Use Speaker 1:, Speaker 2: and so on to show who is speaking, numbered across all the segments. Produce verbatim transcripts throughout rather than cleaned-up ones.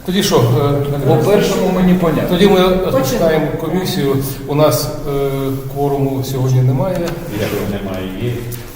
Speaker 1: Тоді що? е,
Speaker 2: По першому мені понятно.
Speaker 1: Тоді ми розпочинаємо комісію. У нас е, кворуму сьогодні немає.
Speaker 3: Якщо немає, є.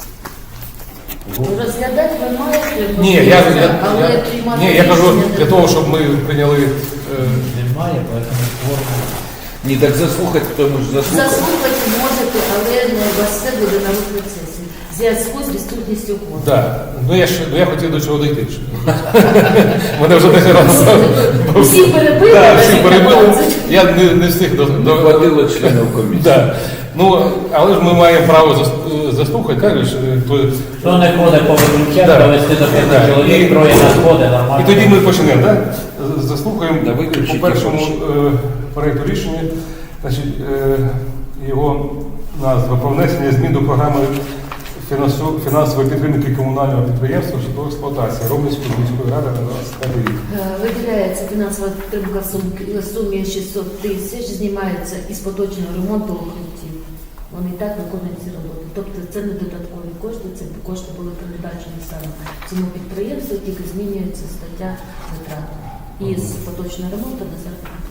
Speaker 4: Розглядати ви маєте,
Speaker 1: Ні, я, я,
Speaker 4: але
Speaker 1: я,
Speaker 4: приймати
Speaker 1: ні, я кажу
Speaker 4: рішення
Speaker 1: для
Speaker 4: не
Speaker 1: того,
Speaker 4: можна.
Speaker 1: щоб ми прийняли. е,
Speaker 3: Немає, поэтому форму.
Speaker 2: Ні, так заслухати, тому ж заслухати.
Speaker 4: Заслухати можете, але не у вас все буде на процесі. В зв'язку з відсутністю кворуму.
Speaker 1: Да. Ну я ж ну, я хотів до чого дійти. Мене вже десять разів.
Speaker 4: Всі перебили,
Speaker 1: Да,
Speaker 4: а
Speaker 1: всі
Speaker 4: всі
Speaker 1: перебили.
Speaker 4: п'ятнадцять.
Speaker 1: Я не, не встиг до,
Speaker 2: Не
Speaker 1: до
Speaker 2: хватило членів комісії.
Speaker 1: Да. Ну, але ж ми маємо право зас- заслухати, так? ж, е, то-
Speaker 3: Хто не ходить по виключати,
Speaker 1: Да.
Speaker 3: довести до п'яти
Speaker 1: Да. І-
Speaker 3: чоловік, троє на сходи, нормально.
Speaker 1: І тоді ми почнемо, так? З- Заслухаємо
Speaker 2: Да, виключіть
Speaker 1: по першому
Speaker 2: гроші.
Speaker 1: е, проєкту рішення. Значить, е, його назва про внесення змін до програми фінансу- фінансової підтримки комунального підприємства житлової експлуатації Ромницької міської ради на двадцять п'ятий рік.
Speaker 4: Е, Виділяється фінансова підтримка в сум- в сумі шістсот тисяч, знімається із поточного ремонту укриттів. Вони і так виконують ці роботи. Тобто це не додаткові кошти, це кошти були передбачені саме цьому підприємству, тільки змінюється стаття витрат із поточного ремонту на заробітну.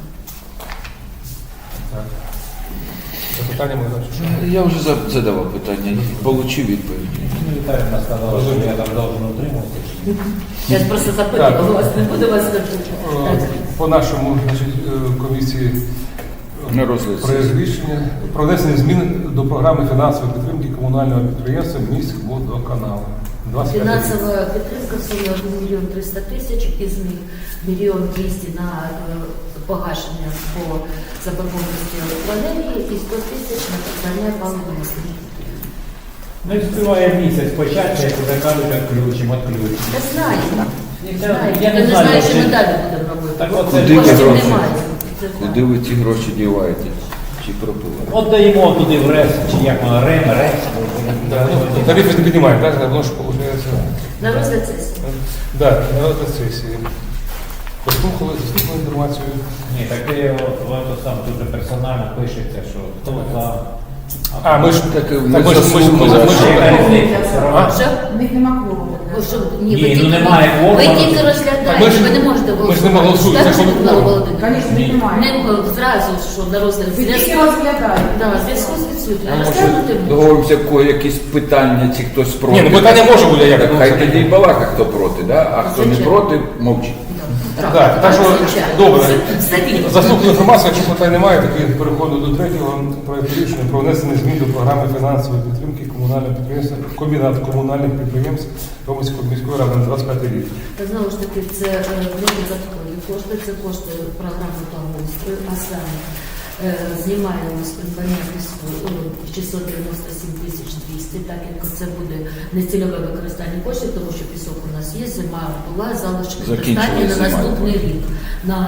Speaker 1: Так. Запитання ми значить.
Speaker 2: Я вже за- задавав питання, получив відповідь.
Speaker 3: Ну, Віталіна сказала, що я там должен утримуватися.
Speaker 4: Я ж просто запитувала вас, не буду вас запитувати.
Speaker 1: Е, По нашому значить, е, комісії
Speaker 2: На розгляд
Speaker 1: проєкт
Speaker 2: сесії.
Speaker 1: рішення про внесення змін до програми фінансової підтримки комунального підприємства міськводоканалу. двадцять п'ятий рік.
Speaker 4: Фінансова підтримка в сумі один мільйон триста тисяч, із них мільйон двісті на е, погашення по заборгованості електроенергії і сто тисяч на придбання паливної стрічки.
Speaker 3: Ну і співає місяць початку, як вже кажуть, відключимо, відключимо.
Speaker 4: Я знаю, знаю,
Speaker 3: Я
Speaker 4: я не
Speaker 3: знаю,
Speaker 4: знаю, що ми
Speaker 3: чи-
Speaker 4: далі будемо робити.
Speaker 3: Так от
Speaker 2: Куди
Speaker 3: це
Speaker 2: ви
Speaker 4: Коштів
Speaker 2: гроші?
Speaker 4: немає. Це
Speaker 2: Куди ви ті гроші діваєте? Чи пропили?
Speaker 3: От даємо туди в РЕС, чи як воно, РЕМ, РЕС.
Speaker 1: Да, ну, тарифи не піднімаємо, так? Воно ж виходить.
Speaker 4: На розгляд сесії.
Speaker 1: Да, на розгляд сесії. Послухали, заслухали інформацію.
Speaker 3: Ні, так ти от сам дуже персонально пишеться, що хто за.
Speaker 1: А, ми ж
Speaker 2: Так,
Speaker 1: так,
Speaker 2: ми
Speaker 1: ми ж- ми ж- ми ж-
Speaker 2: заслухали.
Speaker 1: ми ж-
Speaker 3: Яка різниця?
Speaker 1: А?
Speaker 4: Що?
Speaker 5: У них нема кворуму.
Speaker 4: Ви що, ні,
Speaker 3: Ні,
Speaker 4: ви
Speaker 3: ну
Speaker 4: тільки-
Speaker 3: немає кворуму.
Speaker 4: Ви тільки
Speaker 1: Так ми
Speaker 4: розглядаєте,
Speaker 1: ж-
Speaker 4: ви не можете
Speaker 1: ми ж не голосуємо, це ж
Speaker 4: Скажете,
Speaker 1: не
Speaker 4: Микола
Speaker 1: кворум.
Speaker 4: Володимирович?
Speaker 5: Звісно, їх немає.
Speaker 4: Не зразу, що на розгляд.
Speaker 5: Ви тільки
Speaker 4: Зв'язку-
Speaker 5: розглядаєте.
Speaker 4: Да, в зв'язку з відсутністю.
Speaker 2: А може
Speaker 4: Розглянути можна.
Speaker 2: договоримося, кого якісь питання, чи хтось проти?
Speaker 1: Ні, ну питання може бути, як
Speaker 2: Так, хай тоді й балака, хто проти, да? А хто не
Speaker 4: Звичайно.
Speaker 2: проти, мовчить.
Speaker 1: Так, так що,
Speaker 4: звичайно.
Speaker 1: добре.
Speaker 4: Стабільно.
Speaker 1: Заслухали інформацію, якщо питань немає, тоді переходимо до третього проєкту рішення про внесення змін до програми фінансової підтримки комунального підприємства комбінат комунальних підприємств Ромської міської ради на двадцять п'ятий рік.
Speaker 4: Та знову ж таки, це е, не додаткові кошти, це кошти програми благоустрою, а саме е, знімаємо з придбання піску е, шістсот дев'яносто сім тисяч двісті, так як це буде нецільове використання коштів, тому що пісок у нас є, зима була, залишки
Speaker 2: Закінчилась
Speaker 4: достатньо на
Speaker 2: зима.
Speaker 4: наступний рік. На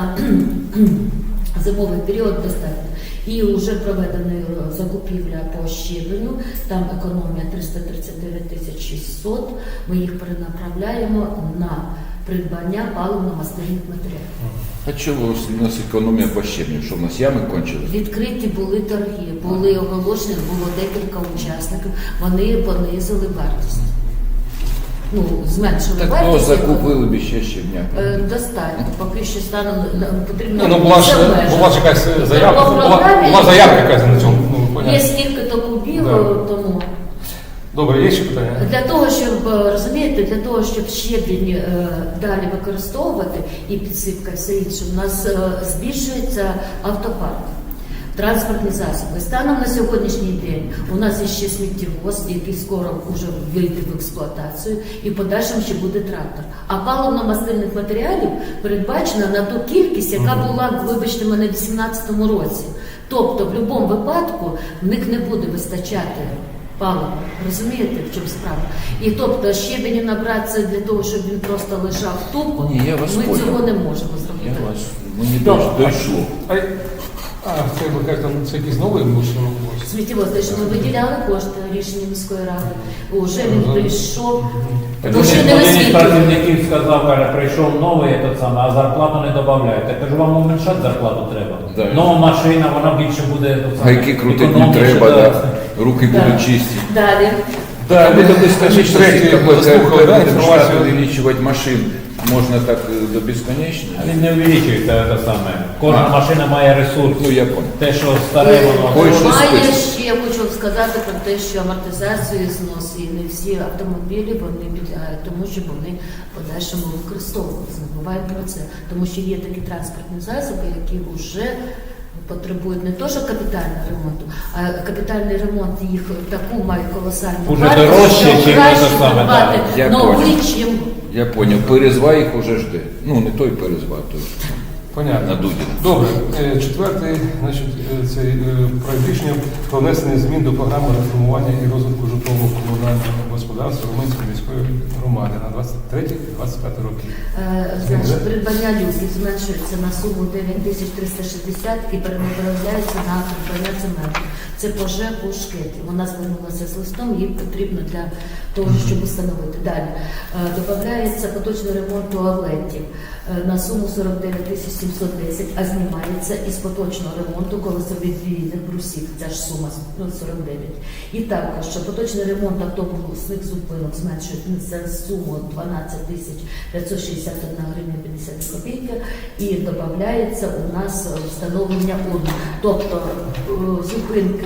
Speaker 4: зимовий період достатньо. І вже проведена закупівля по щебеню, там економія триста тридцять дев'ять тисяч шістсот, ми їх перенаправляємо на придбання паливно-мастильних матеріалів.
Speaker 2: А чого у нас економія по щебню? Що в нас ями кончились?
Speaker 4: Відкриті були торги, були оголошені, було декілька учасників, вони понизили вартість. Ну, зменшили
Speaker 2: Так, ну,
Speaker 4: вартість.
Speaker 2: закупили б ще щебня.
Speaker 4: Е, Достатньо, поки що станом е, потрібно.
Speaker 1: Ні, ну була ж
Speaker 4: все обмежити.
Speaker 1: була ж якась заявка,
Speaker 4: По
Speaker 1: була,
Speaker 4: програмі
Speaker 1: була заявка якась на цьому. Ну,
Speaker 4: Є
Speaker 1: понятно.
Speaker 4: стільки-то кубів,
Speaker 1: Да.
Speaker 4: тому.
Speaker 1: Добре, є ще питання?
Speaker 4: Для того, щоб е, розумієте, для того, щоб щебінь е, далі використовувати і підсипка, все інше, у нас е, збільшується автопарк, транспортні засоби. Станом на сьогоднішній день у нас є ще сміттєвоз, який скоро вже вийде в експлуатацію, і в подальшому ще буде трактор. А паливно-мастильних матеріалів передбачено на ту кількість, яка була, вибачте мене, в вісімнадцятому році. Тобто, в будь-якому випадку в них не буде вистачати паливо. Розумієте, в чому справа? І тобто щебеню набратися для того, щоб він просто лежав тупо,
Speaker 2: Ні, я вас
Speaker 4: ми
Speaker 2: понял.
Speaker 4: цього не можемо
Speaker 2: Я
Speaker 4: зробити.
Speaker 2: вас, мені
Speaker 4: Добре.
Speaker 2: дойш- дійшло.
Speaker 1: А, а це ви кажете, це якийсь новий мусор?
Speaker 4: Сміттєвоз, те, що ми виділяли кошти рішення міської ради, уже він прийшов,
Speaker 3: Так
Speaker 4: ну ще
Speaker 3: один
Speaker 4: не
Speaker 3: один із
Speaker 4: освітлює.
Speaker 3: працівників сказав, каже, прийшов новий, этот самий, а зарплату не додають. Я кажу, вам уменьшати зарплату треба.
Speaker 2: Да.
Speaker 3: Нова машина, вона більше буде этот самий,
Speaker 2: Гайки крутить не
Speaker 3: економніше,
Speaker 2: треба,
Speaker 3: да.
Speaker 2: да. Руки
Speaker 4: Да.
Speaker 2: будуть чисті.
Speaker 4: Далі.
Speaker 1: Да,
Speaker 2: Ви тоді скажіть, що
Speaker 1: третє,
Speaker 2: такое
Speaker 1: заслухали, да,
Speaker 2: штат
Speaker 1: інформацію.
Speaker 2: увеличивать машин. можна так е, до безконечності.
Speaker 3: Він не увеличується те саме. Кожна машина має ресурс.
Speaker 2: Ну, я понял.
Speaker 3: Те, що старе, воно.
Speaker 2: Ой, що
Speaker 4: Має
Speaker 2: список.
Speaker 4: ще, хочу сказати про те, що амортизацію знос і не всі автомобілі вони підлягають тому, щоб вони в подальшому використовувалися. Не буває про це. Тому що є такі транспортні засоби, які вже потребують не то, що капітального ремонту, а капітальний ремонт їх таку має колосальну
Speaker 3: Уже
Speaker 4: вартість,
Speaker 3: дорожче,
Speaker 4: що
Speaker 3: чим
Speaker 4: краще
Speaker 3: це саме,
Speaker 4: придбати
Speaker 2: да. Я
Speaker 4: новий,
Speaker 2: понял.
Speaker 4: чим
Speaker 2: Я понял. Перезва їх уже жде. Ну, не той перезва, а той
Speaker 1: Понятно.
Speaker 2: на Дудіна.
Speaker 1: Добре, Е, четвертий, значить, е, цей е, проект рішення про внесення змін до програми реформування і розвитку житлового комунального господарства Румунської міської громади на двадцять третій - двадцять п'ятий роки.
Speaker 4: Е, Значить, придбання люків зменшується на суму дев'ять тисяч триста шістдесят і перенаправляється на придбання цементу. Це по ЖЕКу Шкеті. Вона звернулася з листом, їй потрібно для того, щоб встановити. Далі. Е, Додається поточний ремонт туалетів е, на суму сорок дев'ять тисяч сімсот десять, а знімається із поточного ремонту колесовідвійних брусів. Ця ж сума ну, сорок дев'ять. І також що поточний ремонт автобусних зупинок зменшується на суму дванадцять тисяч п'ятсот шістдесят одна гривня п'ятдесят копійки і додається у нас встановлення урн. Тобто е, зупинки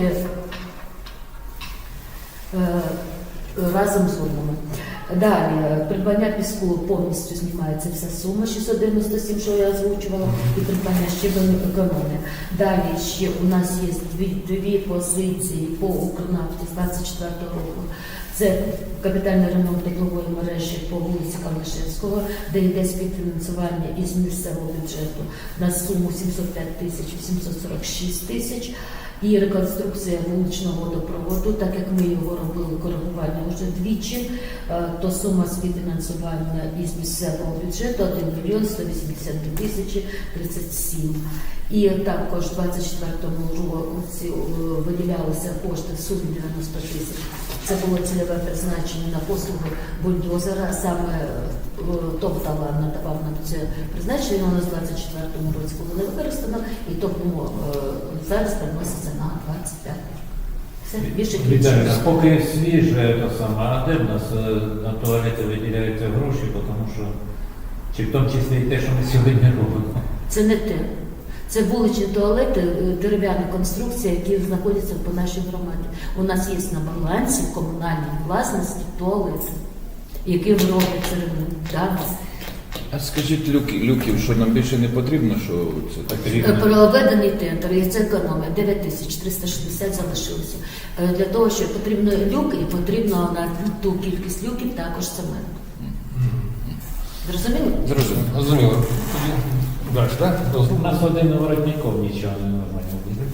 Speaker 4: е, разом з урнами. Далі, придбання піску повністю знімається вся сума шістсот дев'яносто сім, що я озвучувала, і придбання щебеню економія. Далі ще у нас є дві, дві позиції по Укрнафті з двадцять четвертого року. Це капітальний ремонт теплової мережі по вулиці Калнишевського, де йде співфінансування із місцевого бюджету на суму сімсот п'ять тисяч вісімсот сорок шість тисяч. І реконструкція вуличного водопроводу, так як ми його робили коригування вже двічі, е, то сума співфінансування із місцевого бюджету один мільйон сто вісімдесят дві тисячі тридцять сім. І також в двадцять четвертому році е, виділялися кошти в сумі дев'яносто тисяч. Це було цільове призначення на послугу бульдозера, саме е, ТОВ «Талант» надавав нам це призначення, воно в двадцять четвертому році було не використано, і тому е, зараз переноситься на двадцять п'ятий. Все, більше
Speaker 3: Віталій,
Speaker 4: кінчилось.
Speaker 3: поки свіже, то саме, а де в нас е, на туалети виділяються гроші, тому що, чи в тому числі і те, що ми сьогодні робимо.
Speaker 4: Це не те. Це вуличні туалети, е, дерев'яна конструкція, які знаходяться по нашій громаді. У нас є на балансі в комунальній власності туалети, які робляться ремонт. Да.
Speaker 2: А скажіть, люки, люків, що нам більше не потрібно, що це так?
Speaker 4: Е, Проведений тендер, і це економія, дев'ять тисяч триста шістдесят залишилося. Е, Для того, що потрібно люк, і потрібно на ту кількість люків також цемент. Зрозуміло?
Speaker 2: Зрозуміло.
Speaker 1: Зрозуміло. Тоді далі, так?
Speaker 3: У нас один воротников нічого не нормально буде.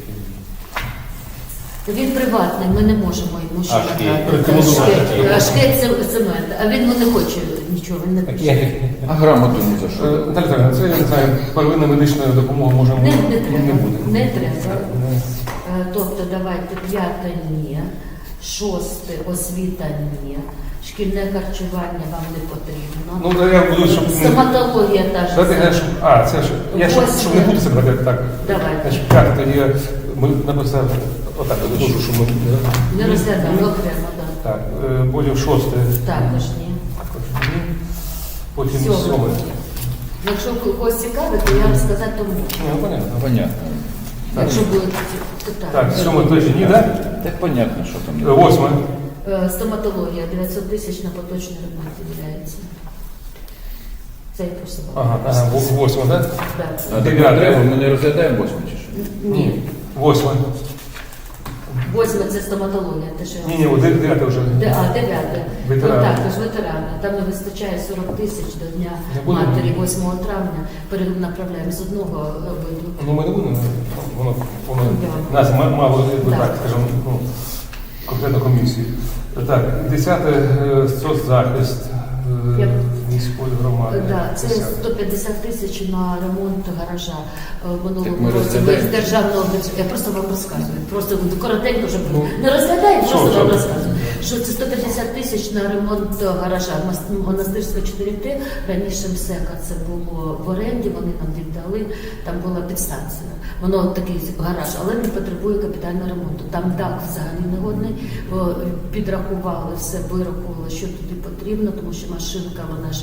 Speaker 4: Він приватний, ми не можемо йому що
Speaker 3: А Шкет?
Speaker 4: надати.
Speaker 1: Рекомендувати.
Speaker 4: Шкет, а Шкет це цемент, а він ну, не хоче нічого, він не
Speaker 3: Так
Speaker 4: пише.
Speaker 3: я
Speaker 2: А грамоту не за
Speaker 1: Е,
Speaker 2: що?
Speaker 1: Наталя Віталіївна, це, я не знаю, первинна медична допомога можемо
Speaker 4: Не, не треба,
Speaker 1: не буде.
Speaker 4: не треба.
Speaker 1: Не.
Speaker 4: Е, Тобто давайте п'яте ні, шосте освіта ні, шкільне харчування вам не потрібно.
Speaker 1: Ну, да, я буду, щоб не...
Speaker 4: Стоматологія та ж
Speaker 1: Давайте, я,
Speaker 4: сама.
Speaker 1: щоб- а, це ж, я щоб, щоб не бути себе так.
Speaker 4: Давайте.
Speaker 1: Значить, п'яте, тоді я- ми написали, отак, я дуже, що ми...
Speaker 4: Не розглядаємо окремо, так.
Speaker 1: Так, е, потім шосте.
Speaker 4: Також ні.
Speaker 1: Також ні. Потім
Speaker 4: Сьоме.
Speaker 1: сьоме.
Speaker 4: Якщо когось цікавить, то я вам сказати то можу.
Speaker 1: Ну, понятно.
Speaker 2: Понятно.
Speaker 4: Якщо будуть питання.
Speaker 1: Так, сьоме точно ні, так?
Speaker 2: Так понятно, що
Speaker 1: Е,
Speaker 2: там.
Speaker 1: Восьме.
Speaker 4: Е, Стоматологія дев'ятсот тисяч на поточний ремонт виділяється. Це я просто
Speaker 1: Ага, ага, во- восьме, так?
Speaker 4: Так.
Speaker 2: А
Speaker 1: Дев'яте.
Speaker 2: так треба, ми не розглядаємо восьме чи що?
Speaker 4: Ні.
Speaker 1: Восьме.
Speaker 4: Восьме це стоматологія, те, що я
Speaker 1: Ні, ні, от дев'яте вже.
Speaker 4: Де- А, дев'яте.
Speaker 1: Ветерани.
Speaker 4: Ну, також ветерани. Там не вистачає сорок тисяч до Дня
Speaker 1: Не будемо.
Speaker 4: матері восьмого травня. Перенаправляємо з одного е, виду.
Speaker 1: Ну, ми не будемо, воно, воно
Speaker 4: Да.
Speaker 1: нас ма- мало, якби
Speaker 4: Да.
Speaker 1: так, скажімо, ну, конкретно комісії. Так, десяте, е, соцзахист е,
Speaker 4: Я-
Speaker 1: міської громади.
Speaker 4: Да, це
Speaker 1: Десяте.
Speaker 4: сто п'ятдесят тисяч на ремонт гаража. Е,
Speaker 2: Так
Speaker 4: Минулого
Speaker 2: ми
Speaker 4: року ми
Speaker 2: розглядаємо.
Speaker 4: з державного бюджету. Я просто вам розказую. Просто коротенько вже
Speaker 1: Ну,
Speaker 4: не розглядаємо,
Speaker 1: що,
Speaker 4: просто
Speaker 1: що?
Speaker 4: вам розказую. Що це сто п'ятдесят тисяч на ремонт гаража. Мас- Монастирська чотири Т, раніше МСЕКа це було в оренді, вони нам віддали, там була підстанція. Воно такий гараж, але не потребує капітального ремонту. Там дах взагалі негодний. О, Підрахували все, вирахували, що туди потрібно, тому що машинка, вона ж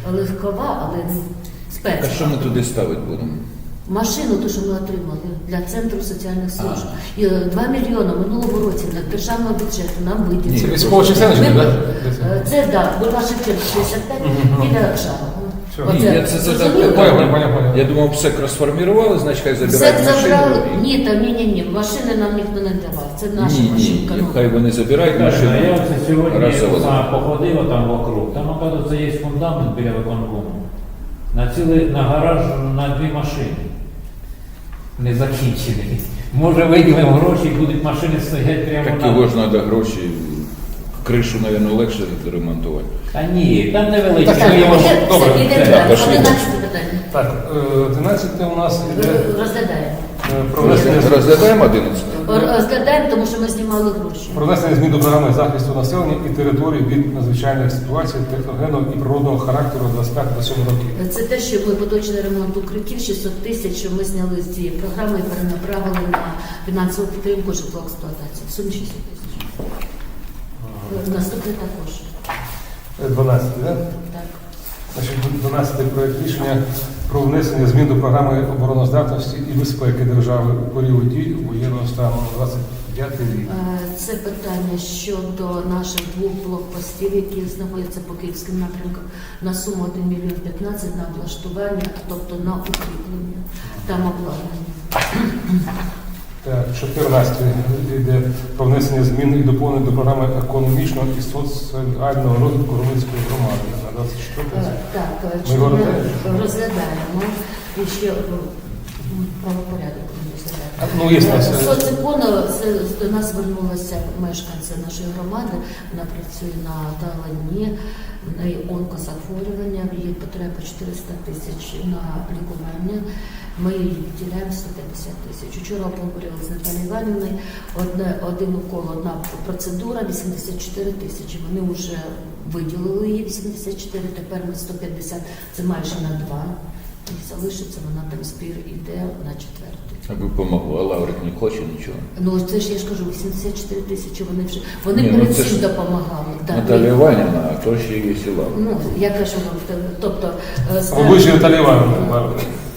Speaker 4: легкова, але не
Speaker 2: Так, а що
Speaker 4: спецова.
Speaker 2: ми туди ставити будемо?
Speaker 4: Машину, ту, що ми отримали для Центру соціальних служб. І е, два мільйони минулого році на державного бюджету нам
Speaker 1: Це
Speaker 4: виділили.
Speaker 1: військова частина, чи
Speaker 4: Ми-
Speaker 1: не, так?
Speaker 4: Е, Це, так, Бульвар Шевченка шістдесят п'ять, біля Шарова.
Speaker 1: Все.
Speaker 2: Ні, я це задав
Speaker 4: зрозуміло?
Speaker 1: Понял, понял, понял.
Speaker 2: Я думав, все розформірували, значить хай
Speaker 4: Все
Speaker 2: забирають
Speaker 4: забрали.
Speaker 2: машину.
Speaker 4: Ні, та ні, ні, ні. Машини нам ніхто не давав. Це наша
Speaker 2: Ні, ні,
Speaker 4: машинка.
Speaker 2: ні,
Speaker 4: ну.
Speaker 2: хай вони забирають
Speaker 3: Каже,
Speaker 2: машину.
Speaker 3: а я оце сьогодні
Speaker 2: раз заводили.
Speaker 3: сам походив там вокруг. Там, оказується, є фундамент біля виконкому. На цілий на гараж на дві машини. Не закінчений. Може виділимо гроші і будуть машини стоять прямо
Speaker 2: Так
Speaker 3: на.
Speaker 2: його ж треба гроші. Кришу, мабуть, легше ремонтувати.
Speaker 3: Та ні, там невеличкі.
Speaker 1: Так,
Speaker 4: Так,
Speaker 1: я
Speaker 4: іде-
Speaker 1: можу-
Speaker 4: все,
Speaker 1: добре,
Speaker 4: іде
Speaker 2: так,
Speaker 4: далі.
Speaker 2: пошли.
Speaker 4: одинадцяте питання.
Speaker 1: Так, е, одинадцяте у нас іде
Speaker 4: Розглядаємо.
Speaker 1: е, про внесення змін-
Speaker 2: Розглядаємо одинадцять?
Speaker 4: Розглядаємо, тому що ми знімали гроші.
Speaker 1: про внесення змін до програми захисту населення і територій від надзвичайних ситуацій техногенного і природного характеру двадцять п'ять двадцять сім років.
Speaker 4: Це те, що ми поточний ремонт укриттів шістсот тисяч, що ми зняли з цієї програми і перенаправили на фінансову підтримку житлоексплуатації. В сумі шістсот тисяч. Наступне також.
Speaker 1: Е, дванадцяте, так?
Speaker 4: Так.
Speaker 1: Значить, дванадцятий проект рішення про внесення змін до програми обороноздатності і безпеки держави у період дій воєнного стану на двадцять п'ятий рік.
Speaker 4: Е, Це питання щодо наших двох блокпостів, які знаходяться по київським напрямкам, на суму один мільйон п'ятнадцять на облаштування, тобто на укріплення там обладнання.
Speaker 1: Так, чотирнадцятий йде про внесення змін і доповнень до програми економічного і соціального розвитку Румунської громади на двадцять четвертий.
Speaker 4: Е, Так, е,
Speaker 1: Ми
Speaker 4: чи
Speaker 1: його
Speaker 4: ми
Speaker 1: розглядаємо?
Speaker 4: розглядаємо і ще е, правопорядок будемо розглядати.
Speaker 1: А, ну, є у нас, е,
Speaker 4: Соцекон, це до нас звернулася мешканця нашої громади, вона працює на Талані, в неї онкозахворювання, в її потреба чотириста тисяч на лікування. Ми їй виділяємо сто п'ятдесят тисяч. Вчора поговорили з Наталією Іванівною, одне, один укол, одна процедура, вісімдесят чотири тисячі. Вони вже виділили її вісімдесят чотири, тепер ми сто п'ятдесят, це майже на два. І залишиться, вона там збір іде на четвертий.
Speaker 2: Аби помогло, а Лаврик не хоче нічого.
Speaker 4: Ну це ж я ж кажу, вісімдесят чотири тисячі вони вже, вони
Speaker 2: Ні, ну,
Speaker 4: перед
Speaker 2: це
Speaker 4: цим
Speaker 2: ж
Speaker 4: допомагали. Да,
Speaker 2: Наталія
Speaker 4: ми-
Speaker 2: Іванівна, а то ще є і Лаврик.
Speaker 4: Ну, я кажу вам, тобто, е,
Speaker 1: А ви ж Наталія Іванівна.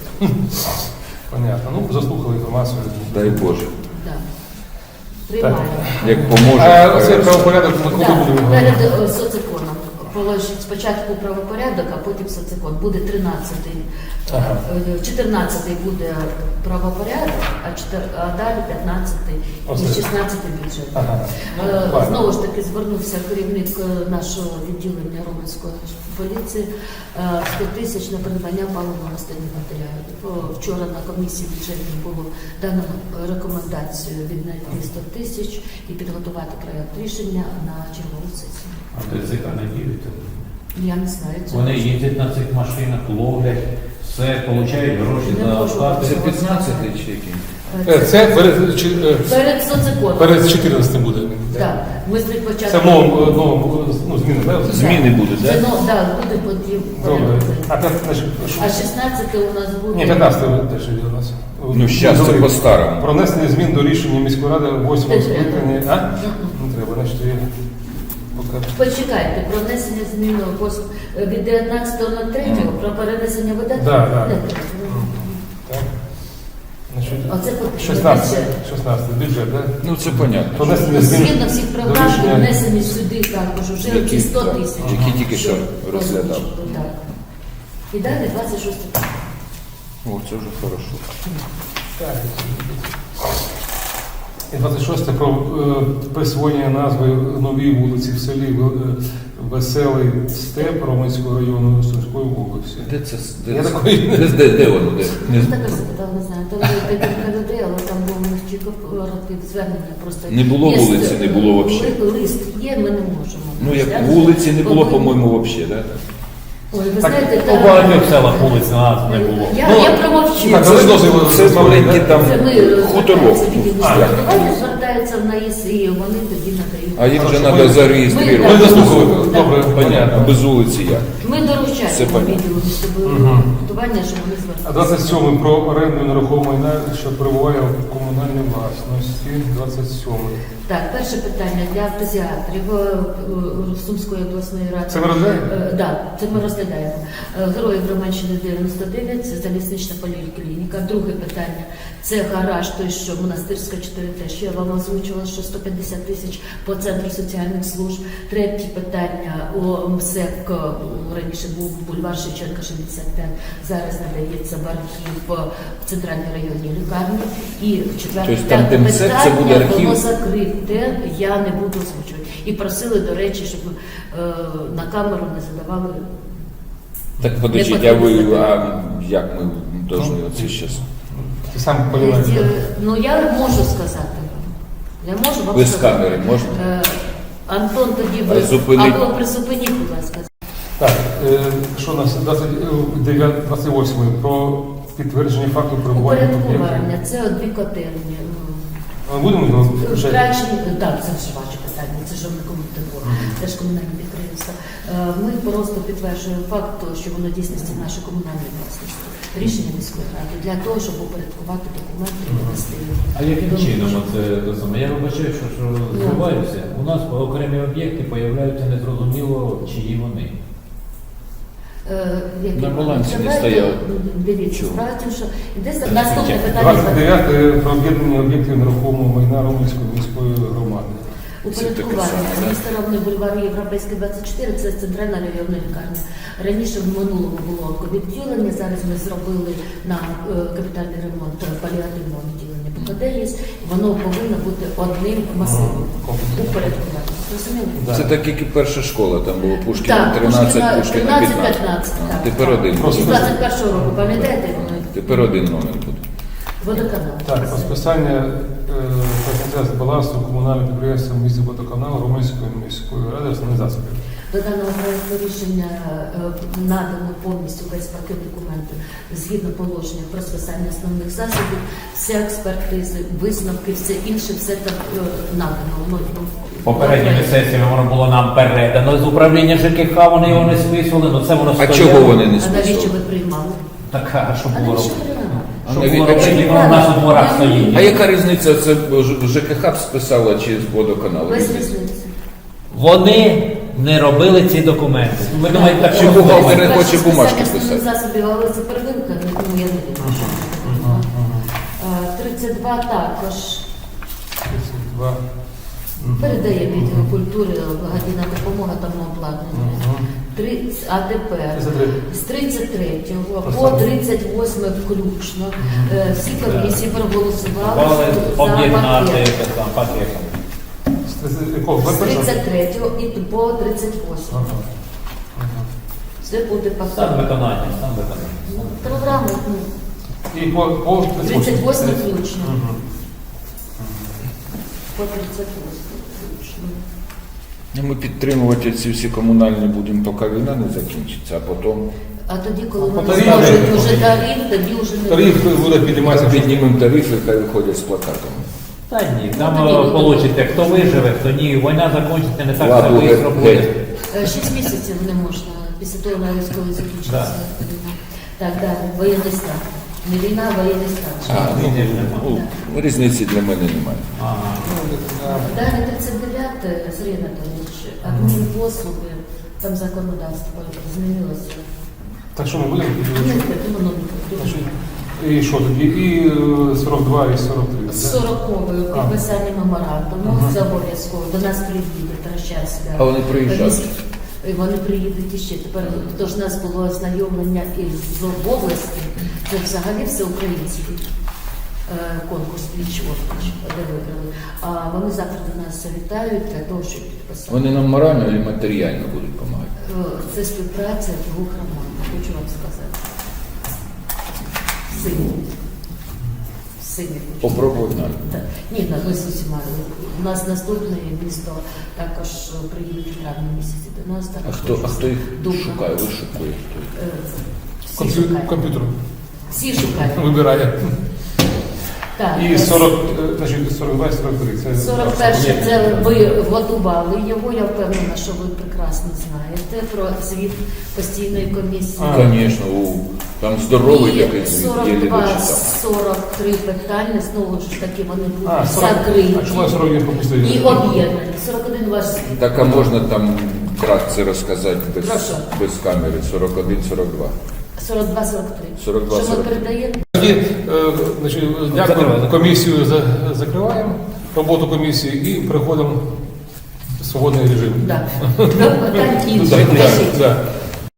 Speaker 1: Понятно. Ну, заслухали інформацію.
Speaker 2: Дай Боже.
Speaker 4: да. Приймаємо.
Speaker 2: Як поможе.
Speaker 1: А цей
Speaker 2: хай-
Speaker 1: правопорядок ми коли
Speaker 4: Да,
Speaker 1: будемо?
Speaker 4: перед е, соцеконом. Положить спочатку правопорядок, а потім соцекон. Буде тринадцятий.
Speaker 1: Ага.
Speaker 4: Е, чотирнадцятий буде правопорядок, а, чотир- а далі п'ятнадцятий і
Speaker 1: Оце.
Speaker 4: шістнадцятий бюджет.
Speaker 1: Ага.
Speaker 4: Е,
Speaker 1: Ладно.
Speaker 4: Знову ж таки звернувся керівник е, нашого відділення Романської поліції е, сто тисяч на придбання паливно-мастильних матеріалів. О, Вчора на комісії бюджетній було дано рекомендацію віднайти сто тисяч і підготувати проєкт рішення на чергову сесію.
Speaker 3: А ТЦК не діють.
Speaker 4: Я не знаю. це
Speaker 3: Вони
Speaker 4: може.
Speaker 3: їздять на цих машинах, ловлять, все, получають гроші
Speaker 4: Не
Speaker 3: за
Speaker 4: можу.
Speaker 3: оплати.
Speaker 2: Це п'ятнадцятий чи який?
Speaker 1: Е, Це перед, чи- е,
Speaker 4: Перед соцеконом.
Speaker 1: перед чотирнадцятим буде.
Speaker 4: Так. Ми спочатку...
Speaker 1: Це в новому, новому, ну, зміни, так?
Speaker 2: Зміни будуть,
Speaker 4: Це,
Speaker 2: так?
Speaker 4: ну, да, буде потім.
Speaker 1: Добре. А п'ят- значить, що-
Speaker 4: А шістнадцяте у нас буде...
Speaker 1: Ні, п'ятнадцятий теж є у нас.
Speaker 2: Ну, щас це
Speaker 1: Добре.
Speaker 2: по-старому.
Speaker 1: Про внесення змін до рішення міської ради восьмого
Speaker 4: Не треба.
Speaker 1: скликання. А?
Speaker 4: Мгм.
Speaker 1: Не треба, значить, я поки.
Speaker 4: Почекайте, про внесення змін пос- від дев'ятнадцятого на третього про перенесення видатків.
Speaker 1: Да, да.
Speaker 4: Не треба.
Speaker 1: Так. Значить,
Speaker 4: Оце потрібно.
Speaker 1: шістнадцятий, шістнадцятий бюджет, так?
Speaker 2: Ну це понятно.
Speaker 1: Про внесення змін
Speaker 4: Згідно всіх
Speaker 1: до
Speaker 4: програм
Speaker 1: рішення-
Speaker 4: внесені сюди також вже
Speaker 2: Які,
Speaker 4: ці сто
Speaker 2: так,
Speaker 4: тисяч.
Speaker 2: які тільки що
Speaker 4: Щоб
Speaker 2: розглядав.
Speaker 4: озвучити, так. І далі двадцять шосте.
Speaker 2: О, це вже хорошо.
Speaker 1: Так. І двадцять шосте про е, присвоєння назви новій вулиці в селі е, Веселий Степ Романського району Сумської області.
Speaker 2: Де це? Де,
Speaker 1: Я
Speaker 2: це?
Speaker 1: такої-
Speaker 2: де, де, де воно? Де? Не,
Speaker 4: Так я запитала, не знаю. Там є декілька людей, але там було не тільки коротке звернення. Просто
Speaker 2: Не було
Speaker 4: є
Speaker 2: вулиці, не було вообще.
Speaker 4: ли- Лист є, ми не можемо.
Speaker 2: ну як
Speaker 4: Розглянути.
Speaker 2: вулиці не було,
Speaker 4: По-моєму,
Speaker 2: по-моєму, взагалі, так?
Speaker 4: Ой, ви
Speaker 1: Так,
Speaker 4: знаєте,
Speaker 3: У
Speaker 4: там-
Speaker 3: багатьох селах вулиць нас не було.
Speaker 4: Я,
Speaker 1: Ну,
Speaker 4: я промовчу.
Speaker 1: так, але дозвіл
Speaker 2: Це маленький там
Speaker 4: Це ми
Speaker 2: хуторок.
Speaker 4: звертаються, звертаються в НАІС, і вони тоді надають.
Speaker 2: А їм вже
Speaker 1: Хорошо,
Speaker 2: треба
Speaker 1: ми-
Speaker 2: зареєструвати.
Speaker 1: Ми заслухали.
Speaker 4: Да.
Speaker 1: Добре,
Speaker 2: Понятно, без вулиці як.
Speaker 4: Ми доручаємо.
Speaker 2: понятно.
Speaker 4: відділу містобудування,
Speaker 1: Мгм.
Speaker 4: щоб вони
Speaker 1: А
Speaker 4: звернулися.
Speaker 1: двадцять сьомий про оренду нерухомого майна, що перебуває в комунальній власності. двадцять сьомий.
Speaker 4: Так, перше питання для автозіатрів е, е, Сумської обласної ради.
Speaker 1: Це ви розглядаєте?
Speaker 4: Так, да, це ми розглядаємо. Е, Героїв Романщини дев'яносто дев'ять, це залізнична поліклініка. Друге питання – це гараж, той, що Монастирська чотири Т, що я вам озвучувала, що сто п'ятдесят тисяч по Центру соціальних служб. Третє питання – о МСЕК, раніше був бульвар Шевченка шістдесят п'ять, зараз надається в архів в Центральній районній лікарні. І четверте
Speaker 2: Тобто там, де
Speaker 4: п'яте
Speaker 2: МСЕК, це буде
Speaker 4: питання,
Speaker 2: архів?
Speaker 4: воно закрите, я не буду озвучувати. І просили, до речі, щоб е, на камеру не задавали.
Speaker 2: Так подождіть, а ви, а як ми повинні оце зараз?
Speaker 1: Ти сам
Speaker 4: Е,
Speaker 1: розумієш.
Speaker 4: Ну, я можу сказати вам. Я можу вам
Speaker 2: Ви з
Speaker 4: сказати.
Speaker 2: камери можна?
Speaker 4: Е, Антон, тоді
Speaker 2: А
Speaker 4: ви...
Speaker 2: зупиніть.
Speaker 4: Або призупиніть, будь ласка.
Speaker 1: Так, е, що у нас двадцять дев'ятий, двадцять восьмий про підтвердження факту перебування об'єктів.
Speaker 4: Упорядкування, це от дві котельні.
Speaker 1: Ми будемо його вже?
Speaker 4: Втрачені, так, це ж ваше питання, це ж не комунальне, це ж комунальне підприємство. Е, Ми просто підтверджуємо факт, того, що воно в дійсності наше комунальне власності. Рішення міської ради для того, щоб упорядкувати документи і довести.
Speaker 3: А яким чином це те саме? Я вибачаю, що, що збиваюся. У нас окремі об'єкти появляються незрозуміло, чиї вони.
Speaker 4: Е, які-
Speaker 2: На балансі не
Speaker 4: Давайте,
Speaker 2: стояли.
Speaker 4: Дивіться,
Speaker 2: Чого?
Speaker 4: справа в тім, що йде за- наступне питання.
Speaker 1: двадцять дев'яте про об'єднання об'єктів нерухомого майна Романської міської громади.
Speaker 4: Упорядкування. Місто Равний бульвар Європейський двадцять чотири, це центральна районна лікарня. Раніше в минулому було відділення, зараз ми зробили на е, капітальний ремонт паліативного відділення П К Д є. Воно повинно бути одним масивом. Упорядкування. Розуміли?
Speaker 1: Да.
Speaker 2: Це так, як і перша школа, там було Пушкіна
Speaker 4: Так,
Speaker 2: тринадцять,
Speaker 4: Пушкіна
Speaker 2: Пушкіна
Speaker 4: тринадцять,
Speaker 2: п'ятнадцять.
Speaker 4: п'ятнадцять,
Speaker 2: А,
Speaker 4: так.
Speaker 2: Тепер один.
Speaker 1: Просто-
Speaker 4: З двадцять першого року, пам'ятаєте?
Speaker 2: Тепер один номер буде.
Speaker 4: Водоканал.
Speaker 1: Так, про списання е, прийняття з балансу комунального підприємства в місті водоканалу Романської міської ради основних засобів.
Speaker 4: До даного проекту рішення е, надано повністю весь пакет документів згідно положення про списання основних засобів, всі експертизи, висновки, все інше, все так е, надано. Ну,
Speaker 3: Попередніми сесіями воно було нам передано з управління Ж К Х, вони його не списували, але це воно
Speaker 2: А
Speaker 3: стояло.
Speaker 2: чого вони не
Speaker 4: А навіщо ви
Speaker 2: списували?
Speaker 4: приймали?
Speaker 3: Так, а що
Speaker 4: А
Speaker 3: було
Speaker 4: навіщо
Speaker 3: робити?
Speaker 4: ви приймали?
Speaker 2: А
Speaker 3: Що
Speaker 2: навіть-
Speaker 3: було
Speaker 2: а
Speaker 3: робити,
Speaker 2: чому-
Speaker 3: воно у нас у дворах стоїть.
Speaker 2: А яка різниця, це Ж- ЖКХ б списала чи з водоканалу?
Speaker 4: Без різниці.
Speaker 3: Вони не робили ці документи. Ви думаєте, так
Speaker 2: Чи
Speaker 3: що
Speaker 2: бухгалтер
Speaker 3: було?
Speaker 2: не
Speaker 4: Перше
Speaker 2: хоче
Speaker 4: списання
Speaker 2: бумажки
Speaker 4: основних
Speaker 2: писати?
Speaker 4: засобів, але це первинка, ну я не думаю, що це так. Е, тридцять два також.
Speaker 1: тридцять два.
Speaker 4: Передає відділ культури, благодійна допомога та обладнання.
Speaker 1: Мгм.
Speaker 4: Три- А тепер
Speaker 1: тридцять три.
Speaker 4: з тридцять третього по
Speaker 1: Поставимо.
Speaker 4: тридцять восьме включно е, всі комісії проголосували
Speaker 3: Мали
Speaker 4: за
Speaker 3: об'єднати
Speaker 4: пакет.
Speaker 3: це там пакетом.
Speaker 1: З тридцять якого?
Speaker 4: З
Speaker 1: Ви першого?
Speaker 4: тридцять третього і по тридцять восьме.
Speaker 1: Ага. Ага.
Speaker 4: Це буде
Speaker 3: Стан
Speaker 4: пакет.
Speaker 3: виконання, стан виконання.
Speaker 4: Ну, програми, ну,
Speaker 1: І по, по
Speaker 4: тридцять восьме включно.
Speaker 1: Мгм.
Speaker 4: По тридцять восьме включно.
Speaker 2: Ну, Ми підтримувати ці всі комунальні будемо, поки війна не закінчиться, а потім
Speaker 4: А тоді, коли
Speaker 1: А по
Speaker 4: вони
Speaker 1: тарифу?
Speaker 4: зможуть вже тариф, тоді вже не
Speaker 1: Тариф буде підніматися.
Speaker 2: піднімемо тарифи, хай виходять з плакатами.
Speaker 3: Та ні,
Speaker 4: Ну,
Speaker 3: там
Speaker 4: тоді
Speaker 3: е,
Speaker 4: буде.
Speaker 3: получите, хто виживе, хто ні. Війна закінчиться не так
Speaker 2: Ладно,
Speaker 3: все швидко
Speaker 2: геть.
Speaker 3: буде.
Speaker 4: Е, Шість місяців не можна після того, як військовий закінчиться
Speaker 3: Да.
Speaker 4: війна. Так, далі, воєнний стан. Не війна, а воєнний стан.
Speaker 2: А, ну,
Speaker 3: Ні, ні, нема.
Speaker 2: ну, різниці для мене немає.
Speaker 3: Ага.
Speaker 4: Далі тридцять дев'яте, Сергій Анатолійович, адмінпослуги, там законодавство змінилося.
Speaker 1: Так що ми будемо?
Speaker 4: Ні, воно
Speaker 1: Значить, І що тоді? І е, сорок два, і сорок три.
Speaker 4: з сороковою
Speaker 1: А.
Speaker 4: підписання меморандуму,
Speaker 1: Ага.
Speaker 4: це обов'язково. До нас приїде Трощавська.
Speaker 2: А вони приїжджають?
Speaker 4: І вони приїдуть іще. Тепер тож у нас було ознайомлення із в області. Це взагалі всеукраїнський е, конкурс пліч-опліч, де виграли. А вони завтра до нас завітають для того, щоб підписати.
Speaker 2: Вони нам морально і матеріально будуть допомагати.
Speaker 4: Е, Це співпраця двох громад, хочу вам сказати. Сильні. Сильні.
Speaker 2: Попробуй навіть.
Speaker 4: Так. Ні, на ми з усіма. У нас наступне місто також приїдуть в травні місяці до нас.
Speaker 2: А
Speaker 4: також
Speaker 2: хто, а хто їх
Speaker 4: Дубна.
Speaker 2: шукає? Ви шукаєте? хто їх?
Speaker 4: Е, Всі
Speaker 1: Комп'ю-
Speaker 4: шукають.
Speaker 1: Комп'ютер
Speaker 4: Всі шукають.
Speaker 1: вибирає.
Speaker 4: Так,
Speaker 1: І
Speaker 4: так.
Speaker 1: сорок, е, значить, сорок два і сорок три. Це
Speaker 4: сорок перше це ви готували його, я впевнена, що ви прекрасно знаєте про звіт постійної комісії.
Speaker 1: А.
Speaker 2: Звісно, у там здоровий
Speaker 4: І
Speaker 2: такий звіт, єлі
Speaker 4: сорок два
Speaker 2: дочитав.
Speaker 4: сорок три питання, знову ж таки, вони
Speaker 1: А,
Speaker 4: будуть
Speaker 1: сорок,
Speaker 4: закриті
Speaker 1: а чому я сорок один пропустив?
Speaker 4: і об'єднані. сорок один ваш звіт.
Speaker 2: Так, а можна там вкратце розказати без,
Speaker 4: Прошу.
Speaker 2: без камери? сорок один сорок два.
Speaker 4: сорок два сорок три.
Speaker 2: сорок два
Speaker 4: Що ми
Speaker 2: сорок три.
Speaker 4: передаємо?
Speaker 1: Тоді, е, значить, дякую, комісію за- закриваємо, роботу комісії і переходимо в свободний режим.
Speaker 4: Да. До питань
Speaker 1: Ну,
Speaker 4: інших.
Speaker 1: так,
Speaker 4: Кажіть.
Speaker 1: так, так.